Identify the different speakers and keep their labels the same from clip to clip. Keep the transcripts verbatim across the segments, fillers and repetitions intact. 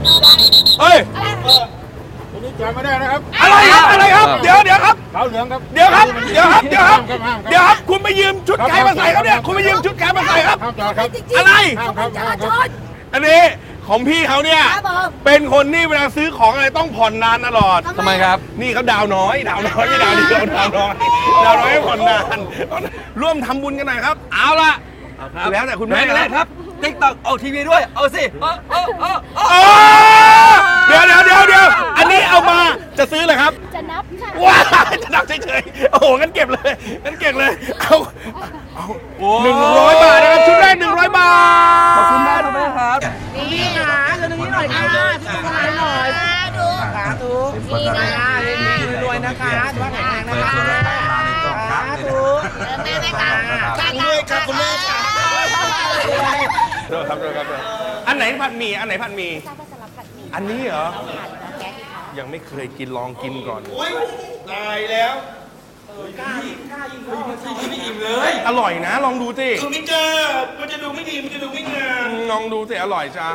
Speaker 1: เฮ้ย
Speaker 2: คุณนี่จำไม่ได้นะครับ
Speaker 1: อะไรครับอะไรครับเดี๋ยวเดี๋ยวครับ
Speaker 2: ขาวเหลืองครับ
Speaker 1: เดี๋ยวครับเดี๋ยวครับเดี๋ยวครับเดี๋ยวครับคุณไปยืมชุดไก่มาใส่ครับเนี่ยคุณไปยืมชุดไก่มาใส่ครับ
Speaker 2: ห้ามจอดครับ
Speaker 1: อะไร
Speaker 2: ห้ามครับห้ามครับ
Speaker 1: อันนี้ของพี่เขาเนี่ยเป็นคนที่เวลาซื้อของอะไรต้องผ่อนนานตลอด
Speaker 3: ทำไมครับ
Speaker 1: นี่เขาดาวน้อยดาวน้อยไม่ดาวเดียวดาวน้อยดาวน้อยให้ผ่อนนานร่วมทำบุญกันหน่อยครับ
Speaker 3: เอาละ
Speaker 1: แล้วแต่คุณแม่
Speaker 3: แม่เลยครับติ๊กต็อกเอาทีวีด้วยเอาสิเอาเอาเอาเอา
Speaker 1: โอ้เดี๋ยวเดี๋ยวเดี๋ยวเดี๋ยวอันนี้เอามาจะซื้อเลยครับ
Speaker 4: จะนับค่ะ
Speaker 1: ว้าจะนับเฉยๆโอ้โหงั้นเก็บเลยงั้นเก็บเลยเอาเอาหนึ่งร้อยบาทนะครับชุดแรกหนึ่งร้อยบาท
Speaker 3: ขอบคุณแม่ครับแม่ครับ
Speaker 5: นี่ค่ะเดี๋ยวนี้หน่อยค่ะทุกคนหน่อยสาธุนี่นะคะรวยนะคะสุขภาพแข็งแรงนะคะสาธุแม่แม่ค่ะคุณแม่ค่ะคุณแม่ค่ะ
Speaker 1: เดี๋ยวครับเดี๋ยวครับเดี๋ยวอันไหนผัดหมี่อันไหนผัดหมี่
Speaker 4: ทราบว่าสลับผัดหมี่
Speaker 1: อันนี้เหรอ
Speaker 4: ผัดแก๊สค่ะ
Speaker 1: ยังไม่เคยกินลองกินก่อนตายแล้วอร่อยนะ ลองดูสิ
Speaker 2: คือไม่เจอมันจะดูไม่ดีมันจะดูไม่งาม
Speaker 1: ลองดูสิอร่อยจ้า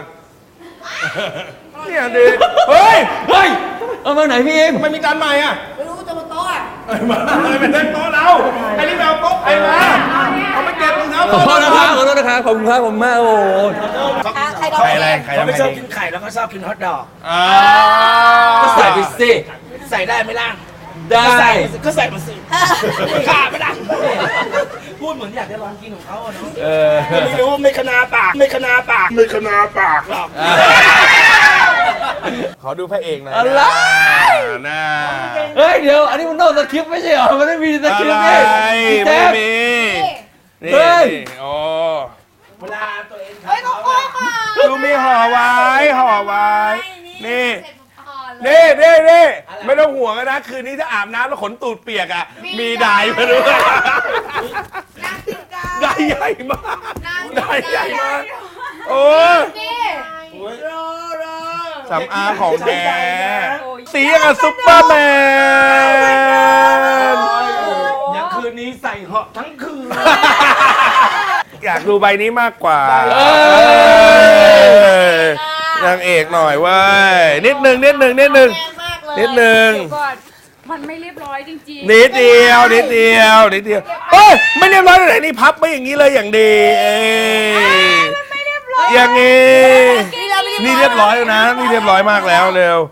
Speaker 1: เนี่ยดิเฮ้ย
Speaker 3: เฮ้ยเอามาไหนพี่เอง
Speaker 1: ทำไมมีจานใหม่อ่ะ
Speaker 5: ไม่รู้จะบนโต๊ะอ่ะ
Speaker 1: เอ้ยมาอะไรเป็นเล่นโต๊ะเราไอ้นี่แมวโต๊ะใครมาเอาไปเก็บรองเท้า
Speaker 3: ขอโทษนะครับขอโทษนะครับขอบคุณครับผมมากโอ้โห
Speaker 5: ใครดอก
Speaker 1: ใครอะไรใคร
Speaker 2: เขา
Speaker 1: ทำ
Speaker 2: ไม่
Speaker 1: ไง
Speaker 2: ชอบ
Speaker 1: ดี
Speaker 2: กินไข่แล้วก็ชอบกินฮอทดอก
Speaker 1: อ่า
Speaker 3: ก็ใส่ไปสิ
Speaker 2: ใส่ได้ไหมล่ะ
Speaker 3: ได้
Speaker 2: ก็ใส่ก็ใส่มาสิขาดไม่ได้พูดเหมือนอยากจะลองกินของเขาอะเนาะ
Speaker 1: เออ
Speaker 2: ไม่รู้ไม่ขนาปากไม่ขนาปากไม่ขนาปากหรอก
Speaker 1: ขอดูพระเอกหน่อย
Speaker 3: อะไร
Speaker 1: น่า
Speaker 3: เฮ้ยเดี๋ยวอันนี้มันนอกสคริปต์ไม่ใช่เหรอมันไม่มีสคริปต์
Speaker 1: อะไร
Speaker 3: นี่พี่
Speaker 1: ไม่
Speaker 3: แจ๊ค
Speaker 1: มีนี่
Speaker 3: เฮ้ย
Speaker 1: โอ้
Speaker 2: เวลาตัวเอง
Speaker 5: เฮ้ยน้องโอ้ค่ะ
Speaker 1: ดูมีห่อไว้ห่อไว้นี่นี่นี่นี่ไม่ต้องห่วงนะคืนนี้ถ้าอาบน้ำแล้วขนตูดเปียกอ่ะมีไดร์มาด้วยไดร์ใหญ่มากไดร์ใหญ่มากโอ้สำอางของแกสีอย่างกับซุปเปอร์แมน
Speaker 2: อย่างคืนนี้ใส่เหาะทั้งคืน
Speaker 1: อยากดูใบนี้มากกว่า
Speaker 3: เอ้ย
Speaker 1: นางเอกหน่อยเว้ยนิดหนึ่งนิดหนึ่งนิดหนึ่งนิดหนึ่ง
Speaker 4: ก่อนมันไม่เรียบร้อยจริงๆ
Speaker 1: นิดเดียวนิดเดียวนิดเดียวเอ้ยไม่เรียบร้อยเลยนี่พับไม่อย่างนี้เลยอย่างดีเอ้ยอย่างนี้นี่เรียบร้อยแล้วนะนี่เรียบร้อยมากแล้วเร็ว